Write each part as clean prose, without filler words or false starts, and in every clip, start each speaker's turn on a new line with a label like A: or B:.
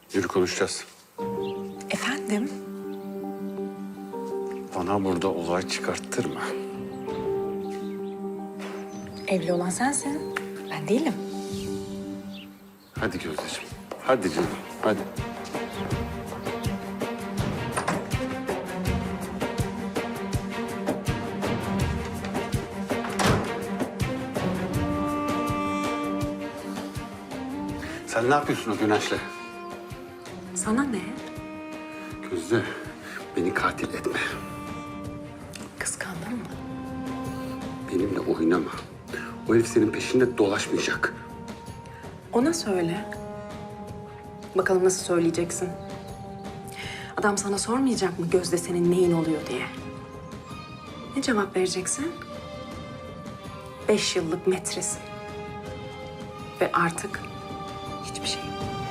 A: Yürü konuşacağız.
B: Efendim?
A: Bana burada olay çıkarttırma.
B: Evli olan sensin. Ben değilim.
A: Hadi Gözdeciğim. Hadi canım. Hadi. Sen ne yapıyorsun o Güneş'le?
B: Sana ne?
A: Gözde, beni katil etme.
B: Kıskandın mı?
A: Benimle oynama. O herif senin peşinde dolaşmayacak.
B: Ona söyle. Bakalım nasıl söyleyeceksin? Adam sana sormayacak mı Gözde senin neyin oluyor diye? Ne cevap vereceksin? 5 yıllık metresin. Ve artık hiçbir şey.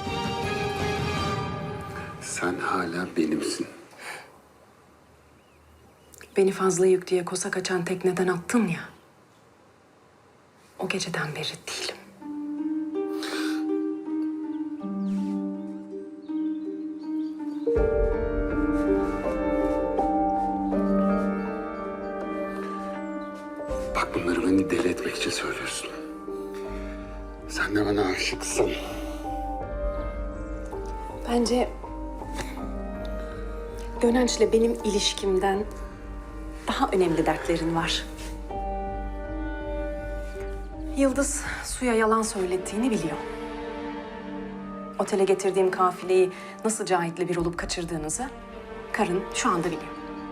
A: Sen hala benimsin.
B: Beni fazla yük diye kosa kaçan tekneden attın ya. O geceden beri değilim.
A: Bak bunları beni deli etmek için söylüyorsun. Sen de bana aşıksın.
B: Bence Gönenç'le benim ilişkimden daha önemli dertlerin var. Yıldız Su'ya yalan söylettiğini biliyor. Otele getirdiğim kafileyi nasıl Cahit'le bir olup kaçırdığınızı karın şu anda biliyor.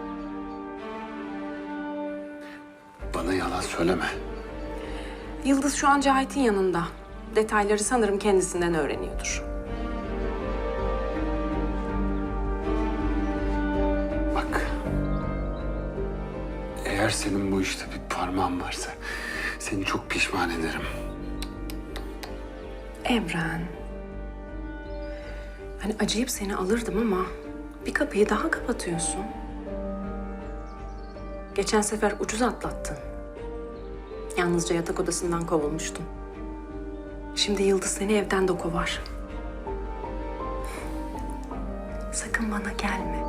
A: Bana yalan söyleme.
B: Yıldız şu an Cahit'in yanında. Detayları sanırım kendisinden öğreniyordur.
A: Bak. Eğer senin bu işte bir parmağın varsa seni çok pişman ederim.
B: Emren. Hani acıyıp seni alırdım ama bir kapıyı daha kapatıyorsun. Geçen sefer ucuz atlattın. Yalnızca yatak odasından kovulmuştun. Şimdi Yıldız seni evden de kovar. Sakın bana gelme.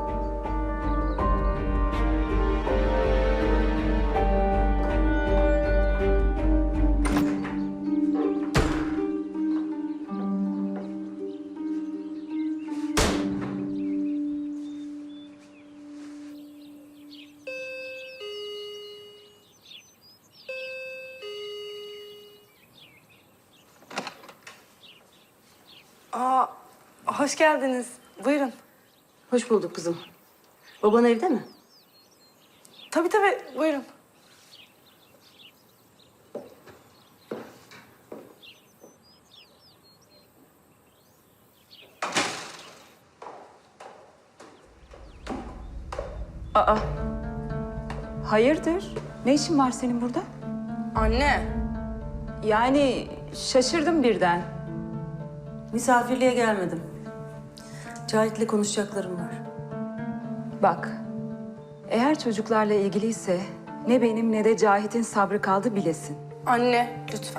C: Hoş geldiniz. Buyurun.
B: Hoş bulduk kızım. Baban evde mi?
C: Tabii tabii, buyurun.
D: Hayırdır? Ne işin var senin burada?
C: Anne.
D: Yani şaşırdım birden.
E: Misafirliğe gelmedim. Cahit'le konuşacaklarım var.
D: Bak, eğer çocuklarla ilgiliyse ne benim ne de Cahit'in sabrı kaldı bilesin.
C: Anne, lütfen.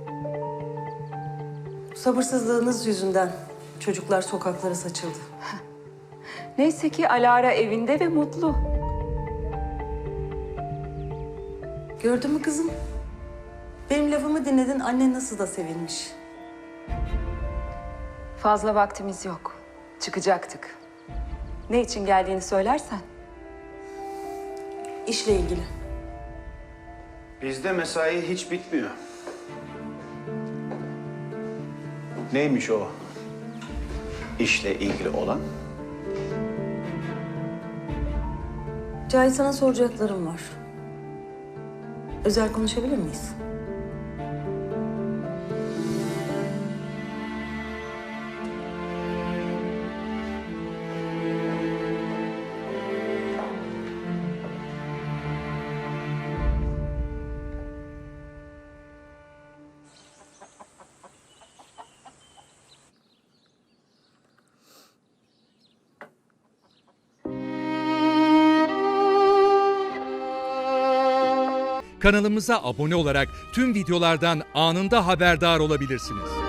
E: Sabırsızlığınız yüzünden çocuklar sokaklara saçıldı.
D: Neyse ki Alara evinde ve mutlu.
E: Gördün mü kızım? Benim lafımı dinledin, annen nasıl da sevinmiş.
D: Fazla vaktimiz yok. Çıkacaktık. Ne için geldiğini söylersen.
E: İşle ilgili.
F: Bizde mesai hiç bitmiyor. Neymiş o işle ilgili olan?
E: Cahit, sana soracaklarım var. Özel konuşabilir miyiz?
G: Kanalımıza abone olarak tüm videolardan anında haberdar olabilirsiniz.